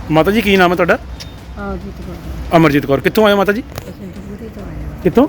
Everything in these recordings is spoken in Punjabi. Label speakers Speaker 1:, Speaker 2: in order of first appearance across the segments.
Speaker 1: ਮਾਤਾ ਜੀ ਕੀ ਨਾਮ ਹੈ ਤੁਹਾਡਾ?
Speaker 2: ਜੀਤ ਕੌਰ।
Speaker 1: ਅਮਰਜੀਤ ਕੌਰ। ਕਿੱਥੋਂ ਆਏ ਹੋ ਮਾਤਾ ਜੀ?
Speaker 2: ਅਸੀਂ ਦੁਗਰੀ ਤੋਂ ਆਏ ਹਾਂ।
Speaker 1: ਕਿੱਥੋਂ?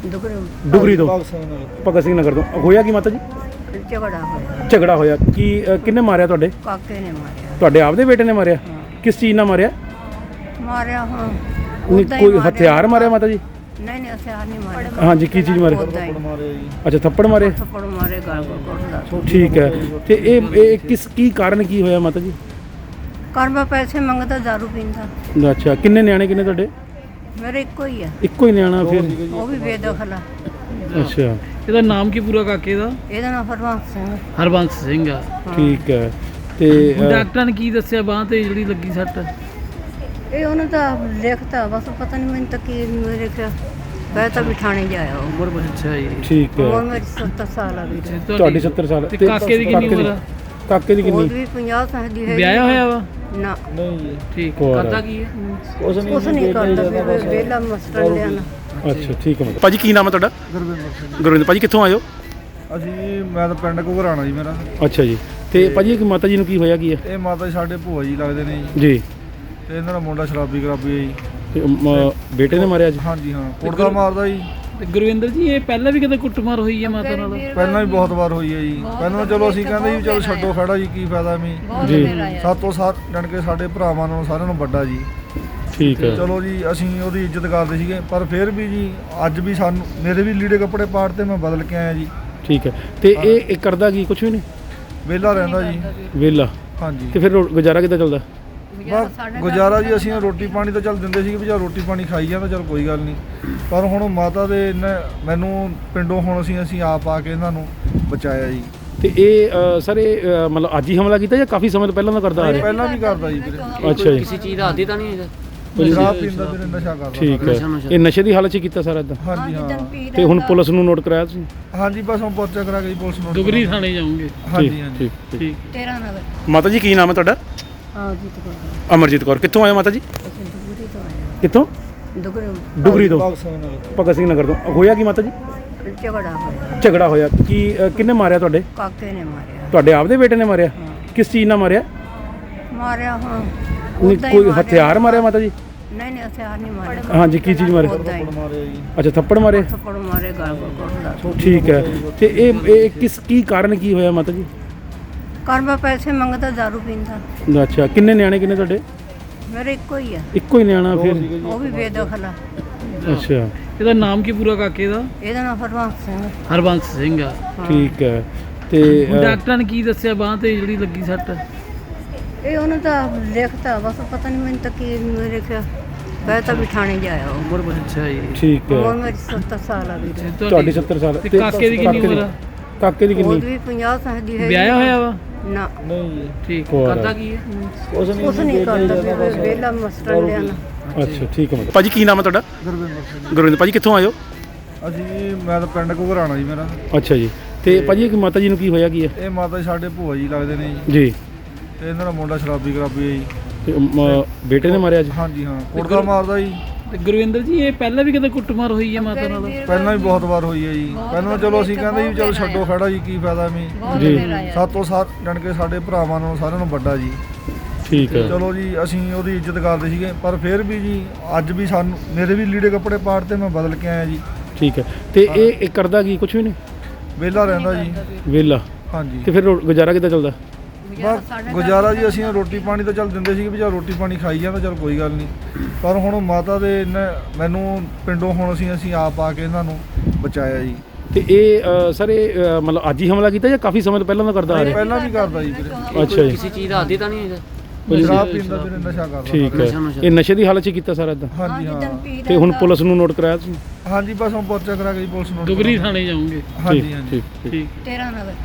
Speaker 1: ਡੁਗਰੀ ਤੋਂ। ਭਗਤ ਸਿੰਘ ਨਗਰ ਤੋਂ। ਹੋਇਆ ਕੀ ਮਾਤਾ ਜੀ?
Speaker 2: ਝਗੜਾ ਹੋਇਆ।
Speaker 1: ਝਗੜਾ ਹੋਇਆ ਕੀ? ਕਿੰਨੇ ਮਾਰਿਆ ਤੁਹਾਡੇ?
Speaker 2: ਕਾਕੇ ਨੇ ਮਾਰਿਆ।
Speaker 1: ਤੁਹਾਡੇ ਆਪਦੇ ਬੇਟੇ ਨੇ ਮਾਰਿਆ? ਕਿਸ ਚੀਜ਼ ਨਾਲ ਮਾਰਿਆ?
Speaker 2: ਮਾਰਿਆ ਹੁਣ
Speaker 1: ਨਹੀਂ, ਕੋਈ ਹਥਿਆਰ ਮਾਰਿਆ ਮਾਤਾ ਜੀ?
Speaker 2: ਨਹੀਂ ਹਥਿਆਰ ਨਹੀਂ ਮਾਰਿਆ।
Speaker 1: ਹਾਂਜੀ, ਕੀ ਚੀਜ਼ ਮਾਰਿਆ? ਅੱਛਾ, ਥੱਪੜ ਮਾਰੇ।
Speaker 2: ਥੱਪੜ ਮਾਰੇ ਗਲ ਕੋਲ।
Speaker 1: ਠੀਕ ਹੈ। ਤੇ ਇਹ ਕੀ ਕਾਰਨ ਕੀ ਹੋਇਆ ਮਾਤਾ ਜੀ?
Speaker 2: ਕਰਮਾ ਪੈਸੇ ਮੰਗਦਾ, ਦਾਰੂ ਪੀਂਦਾ।
Speaker 1: ਅੱਛਾ, ਕਿੰਨੇ ਨਿਆਣੇ ਕਿੰਨੇ ਤੁਹਾਡੇ?
Speaker 2: ਮੇਰੇ ਇੱਕੋ ਹੀ ਆ।
Speaker 1: ਇੱਕੋ ਹੀ ਨਿਆਣਾ ਫਿਰ?
Speaker 2: ਉਹ ਵੀ ਬੇਦਖਲ ਆ।
Speaker 1: ਅੱਛਾ,
Speaker 3: ਇਹਦਾ ਨਾਮ ਕੀ ਪੂਰਾ ਕਾਕੇ ਦਾ?
Speaker 2: ਇਹਦਾ ਨਾਮ ਹਰਬੰਸ ਸਿੰਘ।
Speaker 3: ਹਰਬੰਸ ਸਿੰਘ ਆ।
Speaker 1: ਠੀਕ ਹੈ। ਤੇ
Speaker 3: ਡਾਕਟਰਾਂ ਨੇ ਕੀ ਦੱਸਿਆ ਬਾਂਹ ਤੇ ਜਿਹੜੀ ਲੱਗੀ ਸੱਟ?
Speaker 2: ਇਹ ਉਹਨੂੰ ਤਾਂ ਲਿਖਤਾ ਬਸ, ਪਤਾ ਨਹੀਂ ਮੈਨੂੰ ਤਾਂ ਕੀ ਮੇਰੇ ਮੈਂ ਤਾਂ ਵੀ ਥਾਣੇ ਜਾਇਆ ਉਹ।
Speaker 3: ਉਮਰ ਬਹੁਤ ਅੱਛਾ ਜੀ।
Speaker 1: ਠੀਕ ਹੈ।
Speaker 2: ਉਮਰ ਮੇਰੀ 70 ਸਾਲ ਆ ਵੀਰ।
Speaker 1: ਤੁਹਾਡੀ 70 ਸਾਲ।
Speaker 3: ਤੇ ਕਾਕੇ ਦੀ ਕਿੰਨੀ ਉਮਰ ਆ?
Speaker 1: ਕਾਕੇ ਦੀ
Speaker 2: ਉਹ
Speaker 1: ਕਿੰਨੀ?
Speaker 2: ਵੀ 50 ਸਾਲ ਦੀ ਹੈ।
Speaker 3: ਵਿਆਹਿਆ ਹੋਇਆ ਵਾ?
Speaker 2: ਨਾ
Speaker 3: ਠੀਕ।
Speaker 1: ਹੋਰ।
Speaker 3: ਕਰਦਾ ਕੀ ਹੈ?
Speaker 2: ਕੁਛ ਨਹੀਂ ਕਰਦਾ, ਵਿਹਲਾ ਮਸਟਰ ਲਿਆਣਾ।
Speaker 1: ਅੱਛਾ, ਠੀਕ ਹੈ। ਭਾਜੀ ਕੀ ਨਾਮ ਹੈ ਤੁਹਾਡਾ? ਗੁਰਵਿੰਦਰ ਭਾਜੀ। ਕਿੱਥੋਂ ਆਏ ਹੋ?
Speaker 4: ਮੈਂ ਤਾਂ ਪਿੰਡ ਘੁਗਰਾਣਾ ਜੀ ਮੇਰਾ।
Speaker 1: ਅੱਛਾ ਜੀ। ਤੇ ਭਾਜੀ ਇੱਕ ਮਾਤਾ ਜੀ ਨੂੰ ਕੀ ਹੋਇਆ ਕੀ ਹੈ?
Speaker 4: ਇਹ ਮਾਤਾ ਜੀ ਸਾਡੇ ਭੂਆ ਜੀ ਲੱਗਦੇ ਨੇ ਜੀ।
Speaker 1: ਜੀ।
Speaker 4: ਤੇ ਇਹਨਾਂ ਦਾ ਮੁੰਡਾ ਸ਼ਰਾਬੀ ਹੈ ਜੀ।
Speaker 1: ਤੇ ਬੇਟੇ ਨੇ ਮਾਰਿਆ ਜੀ?
Speaker 4: ਹਾਂਜੀ ਹਾਂ, ਕੁੱਟਦਾ ਮਾਰਦਾ ਜੀ।
Speaker 3: ਤੇ ਗੁਰਵਿੰਦਰ ਜੀ, ਇਹ ਪਹਿਲਾਂ ਵੀ ਕਦੇ ਕੁੱਟਮਾਰ ਹੋਈ ਹੈ ਮਾਤਾ ਨਾਲ?
Speaker 4: ਪਹਿਲਾਂ ਵੀ ਬਹੁਤ ਵਾਰ ਹੋਈ ਹੈ ਜੀ। ਪਹਿਲਾਂ ਚਲੋ ਅਸੀਂ ਕਹਿੰਦੇ ਜੀ ਚਲੋ ਛੱਡੋ ਖੜਾ ਜੀ, ਕੀ ਫਾਇਦਾ ਵੀ
Speaker 1: ਜੀ।
Speaker 4: ਸਾਤੋਂ ਸਾਥ ਜਾਣ ਕੇ ਸਾਡੇ ਭਰਾਵਾਂ ਨਾਲੋਂ ਸਾਰਿਆਂ ਨੂੰ ਵੱਡਾ ਜੀ।
Speaker 1: ਠੀਕ ਹੈ।
Speaker 4: ਚਲੋ ਜੀ, ਅਸੀਂ ਉਹਦੀ ਇੱਜ਼ਤ ਕਰਦੇ ਸੀਗੇ, ਪਰ ਫਿਰ ਵੀ ਜੀ ਅੱਜ ਵੀ ਸਾਨੂੰ ਮੇਰੇ ਵੀ ਲੀੜੇ ਕੱਪੜੇ ਪਾੜ ਤੇ ਮੈਂ ਬਦਲ ਕੇ ਆਇਆ ਜੀ।
Speaker 1: ਠੀਕ ਹੈ। ਤੇ ਇਹ ਕਰਦਾ ਕੀ? ਕੁਛ ਵੀ ਨਹੀਂ,
Speaker 4: ਵਿਹਲਾ ਰਹਿੰਦਾ ਜੀ।
Speaker 1: ਵਿਹਲਾ।
Speaker 4: ਹਾਂਜੀ।
Speaker 1: ਤੇ ਫਿਰ ਗੁਜ਼ਾਰਾ ਕਿੱਦਾਂ ਚੱਲਦਾ?
Speaker 4: ਗੁਜ਼ਾਰਾ ਜੀ ਅਸੀਂ ਰੋਟੀ ਪਾਣੀ ਤਾਂ ਚੱਲ ਦਿੰਦੇ ਸੀਗੇ ਵੀ ਚੱਲ ਰੋਟੀ ਪਾਣੀ ਖਾਈ ਜਾਂਦਾ, ਚੱਲ ਕੋਈ ਗੱਲ ਨਹੀਂ। ਪਰ ਹੁਣ ਮਾਤਾ ਦੇ ਮੈਨੂੰ ਪਿੰਡੋਂ ਹੁਣ ਅਸੀਂ ਆਪ ਆ ਕੇ ਇਹਨਾਂ ਨੂੰ ਬਚਾਇਆ ਜੀ।
Speaker 1: ਤੇ ਇਹ ਸਰ ਇਹ ਮਤਲਬ ਅੱਜ ਹੀ ਹਮਲਾ ਕੀਤਾ ਜਾਂ ਕਾਫੀ ਸਮੇਂ ਤੋਂ ਪਹਿਲਾਂ ਦਾ ਕਰਦਾ ਆ ਰਿਹਾ?
Speaker 4: ਪਹਿਲਾਂ ਵੀ ਕਰਦਾ ਜੀ ਵੀਰੇ।
Speaker 1: ਅੱਛਾ ਜੀ।
Speaker 3: ਕਿਸੇ ਚੀਜ਼ ਦਾ ਆਦੀ ਤਾਂ ਨਹੀਂ ਹੈਗਾ?
Speaker 4: ਸ਼ਰਾਬ ਪੀਂਦਾ ਵੀਰੇ, ਨਸ਼ਾ ਕਰਦਾ।
Speaker 1: ਠੀਕ ਹੈ। ਇਹ ਨਸ਼ੇ ਦੀ ਹਾਲਤ 'ਚ ਕੀਤਾ ਸਾਰਾ ਇਦਾਂ?
Speaker 4: ਹਾਂਜੀ ਹਾਂ।
Speaker 1: ਤੇ ਹੁਣ ਪੁਲਿਸ ਨੂੰ ਨੋਟ ਕਰਾਇਆ ਤੁਸੀਂ?
Speaker 4: ਹਾਂਜੀ, ਬਸ ਹੁਣ ਪਰਚਾ ਕਰਾ ਕੇ ਜੀ ਪੁਲਿਸ ਨੂੰ
Speaker 3: ਦੁਗਰੀ ਥਾਣੇ ਜਾਓਗੇ?
Speaker 4: ਹਾਂਜੀ ਹਾਂਜੀ।
Speaker 3: ਠੀਕ।
Speaker 2: 13 ਨਗਰ।
Speaker 1: ਮਾਤਾ ਜੀ ਕੀ ਨਾਮ ਹੈ ਤੁਹਾਡਾ?
Speaker 2: ਜੀਤ ਕੌਰ।
Speaker 1: ਅਮਰਜੀਤ ਕੌਰ। ਕਿੱਥੋਂ ਆਏ ਹੋ ਮਾਤਾ ਜੀ?
Speaker 2: ਅਸੀਂ ਦੁਗਰੀ ਤੋਂ ਆਏ ਹਾਂ।
Speaker 1: ਕਿੱਥੋਂ? ਡੁਗਰੀ ਤੋਂ। ਭਗਤ ਸਿੰਘ ਨਗਰ ਤੋਂ। ਹੋਇਆ ਕੀ ਮਾਤਾ ਜੀ?
Speaker 2: ਝਗੜਾ ਹੋਇਆ।
Speaker 1: ਝਗੜਾ ਹੋਇਆ ਕੀ? ਕਿੰਨੇ ਮਾਰਿਆ ਤੁਹਾਡੇ?
Speaker 2: ਕਾਕੇ ਨੇ ਮਾਰਿਆ।
Speaker 1: ਤੁਹਾਡੇ ਆਪਦੇ ਬੇਟੇ ਨੇ ਮਾਰਿਆ? ਕਿਸ ਚੀਜ਼ ਨਾਲ ਮਾਰਿਆ?
Speaker 2: ਮਾਰਿਆ ਹੁਣ
Speaker 1: ਨਹੀਂ, ਕੋਈ ਹਥਿਆਰ ਮਾਰਿਆ ਮਾਤਾ ਜੀ?
Speaker 2: ਨਹੀਂ ਹਥਿਆਰ ਨਹੀਂ ਮਾਰਿਆ।
Speaker 1: ਹਾਂਜੀ, ਕੀ ਚੀਜ਼ ਮਾਰਿਆ? ਅੱਛਾ, ਥੱਪੜ ਮਾਰੇ।
Speaker 2: ਥੱਪੜ ਮਾਰੇ ਗਲ ਕੋਲ।
Speaker 1: ਠੀਕ ਹੈ। ਤੇ ਇਹ ਕੀ ਕਾਰਨ ਕੀ ਹੋਇਆ ਮਾਤਾ ਜੀ?
Speaker 2: ਕਰਮਾ ਪੈਸੇ ਮੰਗਦਾ, ਦਾਰੂ ਪੀਂਦਾ।
Speaker 1: ਅੱਛਾ, ਕਿੰਨੇ ਨਿਆਣੇ ਕਿੰਨੇ ਤੁਹਾਡੇ?
Speaker 2: ਮੇਰੇ ਇੱਕੋ ਹੀ ਆ।
Speaker 1: ਇੱਕੋ ਹੀ ਨਿਆਣਾ ਫਿਰ?
Speaker 2: ਉਹ ਵੀ ਬੇਦਖਲ ਆ।
Speaker 1: ਅੱਛਾ,
Speaker 3: ਇਹਦਾ ਨਾਮ ਕੀ ਪੂਰਾ ਕਾਕੇ ਦਾ?
Speaker 2: ਇਹਦਾ ਨਾਮ ਹਰਬੰਸ ਸਿੰਘ।
Speaker 3: ਹਰਬੰਸ ਸਿੰਘ ਆ।
Speaker 1: ਠੀਕ ਹੈ। ਤੇ
Speaker 3: ਡਾਕਟਰਾਂ ਨੇ ਕੀ ਦੱਸਿਆ ਬਾਂਹ ਤੇ ਜਿਹੜੀ ਲੱਗੀ ਸੱਟ?
Speaker 2: ਇਹ ਉਹਨੂੰ ਤਾਂ ਲਿਖਤਾ ਬਸ, ਪਤਾ ਨਹੀਂ ਮੈਨੂੰ ਤਾਂ ਕੀ ਮੇਰੇ ਮੈਂ ਤਾਂ ਵੀ ਥਾਣੇ ਜਾਇਆ ਉਹ।
Speaker 3: ਉਮਰ ਬਹੁਤ ਅੱਛਾ ਜੀ।
Speaker 1: ਠੀਕ
Speaker 2: ਉਮਰ
Speaker 1: ਹੈ।
Speaker 2: ਮੇਰੀ 70 ਸਾਲ ਆ ਵੀਰ।
Speaker 1: ਤੁਹਾਡੀ 70 ਸਾਲ।
Speaker 3: ਤੇ ਕਾਕੇ ਦੀ ਕਿੰਨੀ ਉਮਰ ਆ?
Speaker 1: ਕਾਕੇ ਦੀ
Speaker 2: ਉਹ
Speaker 1: ਕਿੰਨੀ?
Speaker 2: ਵੀ 50 ਸਾਲ ਦੀ ਹੈ।
Speaker 3: ਵਿਆਹਿਆ ਹੋਇਆ ਵਾ?
Speaker 2: ਨਾ
Speaker 3: ਠੀਕ।
Speaker 1: ਹੋਰ।
Speaker 3: ਕਰਦਾ ਕੀ ਹੈ?
Speaker 2: ਕੁਛ ਨਹੀਂ ਕਰਦਾ, ਵਿਹਲਾ ਮਸਟਰ ਲਿਆਣਾ।
Speaker 1: ਅੱਛਾ, ਠੀਕ ਹੈ। ਭਾਜੀ ਕੀ ਨਾਮ ਹੈ ਤੁਹਾਡਾ? ਗੁਰਵਿੰਦਰ ਭਾਜੀ। ਕਿੱਥੋਂ ਆਏ ਹੋ?
Speaker 4: ਮੈਂ ਤਾਂ ਪਿੰਡ ਘੁਗਰਾਣਾ ਜੀ ਮੇਰਾ।
Speaker 1: ਅੱਛਾ ਜੀ। ਤੇ ਭਾਜੀ ਇੱਕ ਮਾਤਾ ਜੀ ਨੂੰ ਕੀ ਹੋਇਆ ਕੀ ਹੈ?
Speaker 4: ਇਹ ਮਾਤਾ ਜੀ ਸਾਡੇ ਭੂਆ ਜੀ ਲੱਗਦੇ ਨੇ ਜੀ।
Speaker 1: ਜੀ।
Speaker 4: ਤੇ ਇਹਨਾਂ ਦਾ ਮੁੰਡਾ ਸ਼ਰਾਬੀ ਹੈ ਜੀ।
Speaker 1: ਤੇ ਬੇਟੇ ਨੇ ਮਾਰਿਆ ਜੀ?
Speaker 4: ਹਾਂਜੀ ਹਾਂ, ਕੁੱਟਦਾ ਮਾਰਦਾ ਜੀ।
Speaker 3: ਤੇ ਗੁਰਵਿੰਦਰ ਜੀ, ਇਹ ਪਹਿਲਾਂ ਵੀ ਕਦੇ ਕੁੱਟਮਾਰ ਹੋਈ ਹੈ ਮਾਤਾ ਨਾਲ?
Speaker 4: ਪਹਿਲਾਂ ਵੀ ਬਹੁਤ ਵਾਰ ਹੋਈ ਹੈ ਜੀ। ਪਹਿਲਾਂ ਚਲੋ ਅਸੀਂ ਕਹਿੰਦੇ ਜੀ ਚਲੋ ਛੱਡੋ ਖੜਾ ਜੀ, ਕੀ ਫਾਇਦਾ ਵੀ
Speaker 1: ਜੀ।
Speaker 4: ਸਾਤੋਂ ਸਾਥ ਜਾਣ ਕੇ ਸਾਡੇ ਭਰਾਵਾਂ ਨਾਲੋਂ ਸਾਰਿਆਂ ਨੂੰ ਵੱਡਾ ਜੀ।
Speaker 1: ਠੀਕ ਹੈ।
Speaker 4: ਚਲੋ ਜੀ, ਅਸੀਂ ਉਹਦੀ ਇੱਜ਼ਤ ਕਰਦੇ ਸੀਗੇ, ਪਰ ਫਿਰ ਵੀ ਜੀ ਅੱਜ ਵੀ ਸਾਨੂੰ ਮੇਰੇ ਵੀ ਲੀੜੇ ਕੱਪੜੇ ਪਾੜ ਤੇ ਮੈਂ ਬਦਲ ਕੇ ਆਇਆ ਜੀ।
Speaker 1: ਠੀਕ ਹੈ। ਤੇ ਇਹ ਕਰਦਾ ਕੀ? ਕੁਛ ਵੀ ਨਹੀਂ,
Speaker 4: ਵਿਹਲਾ ਰਹਿੰਦਾ ਜੀ।
Speaker 1: ਵਿਹਲਾ।
Speaker 4: ਹਾਂਜੀ।
Speaker 1: ਤੇ ਫਿਰ ਗੁਜ਼ਾਰਾ ਕਿੱਦਾਂ ਚੱਲਦਾ?
Speaker 4: ਗੁਜ਼ਾਰਾ ਜੀ ਅਸੀਂ ਰੋਟੀ ਪਾਣੀ ਤਾਂ ਚੱਲ ਦਿੰਦੇ ਸੀਗੇ ਵੀ ਚੱਲ ਰੋਟੀ ਪਾਣੀ ਖਾਈ ਜਾਂਦਾ, ਚੱਲ ਕੋਈ ਗੱਲ ਨਹੀਂ। ਪਰ ਹੁਣ ਮਾਤਾ ਦੇ ਮੈਨੂੰ ਪਿੰਡੋਂ ਹੁਣ ਅਸੀਂ ਆਪ ਆ ਕੇ ਇਹਨਾਂ ਨੂੰ ਬਚਾਇਆ ਜੀ।
Speaker 1: ਤੇ ਇਹ ਸਰ ਇਹ ਮਤਲਬ ਅੱਜ ਹੀ ਹਮਲਾ ਕੀਤਾ ਜਾਂ ਕਾਫੀ ਸਮੇਂ ਤੋਂ ਪਹਿਲਾਂ ਦਾ ਕਰਦਾ ਆ ਰਿਹਾ?
Speaker 4: ਪਹਿਲਾਂ ਵੀ ਕਰਦਾ ਜੀ ਵੀਰੇ।
Speaker 1: ਅੱਛਾ ਜੀ।
Speaker 3: ਕਿਸੇ ਚੀਜ਼ ਦਾ ਆਦੀ ਤਾਂ ਨਹੀਂ ਹੈਗਾ?
Speaker 4: ਸ਼ਰਾਬ ਪੀਂਦਾ ਵੀਰੇ, ਨਸ਼ਾ ਕਰਦਾ।
Speaker 1: ਠੀਕ ਹੈ। ਇਹ ਨਸ਼ੇ ਦੀ ਹਾਲਤ 'ਚ ਕੀਤਾ ਸਾਰਾ ਇਦਾਂ?
Speaker 4: ਹਾਂਜੀ ਹਾਂ।
Speaker 1: ਤੇ ਹੁਣ ਪੁਲਿਸ ਨੂੰ ਨੋਟ ਕਰਾਇਆ ਤੁਸੀਂ?
Speaker 4: ਹਾਂਜੀ, ਬਸ ਹੁਣ ਪਰਚਾ ਕਰਾ ਕੇ ਜੀ ਪੁਲਿਸ ਨੂੰ
Speaker 3: ਦੁਗਰੀ ਥਾਣੇ ਜਾਓਗੇ?
Speaker 4: ਹਾਂਜੀ ਹਾਂਜੀ।
Speaker 3: ਠੀਕ।
Speaker 2: 13 ਨਗਰ।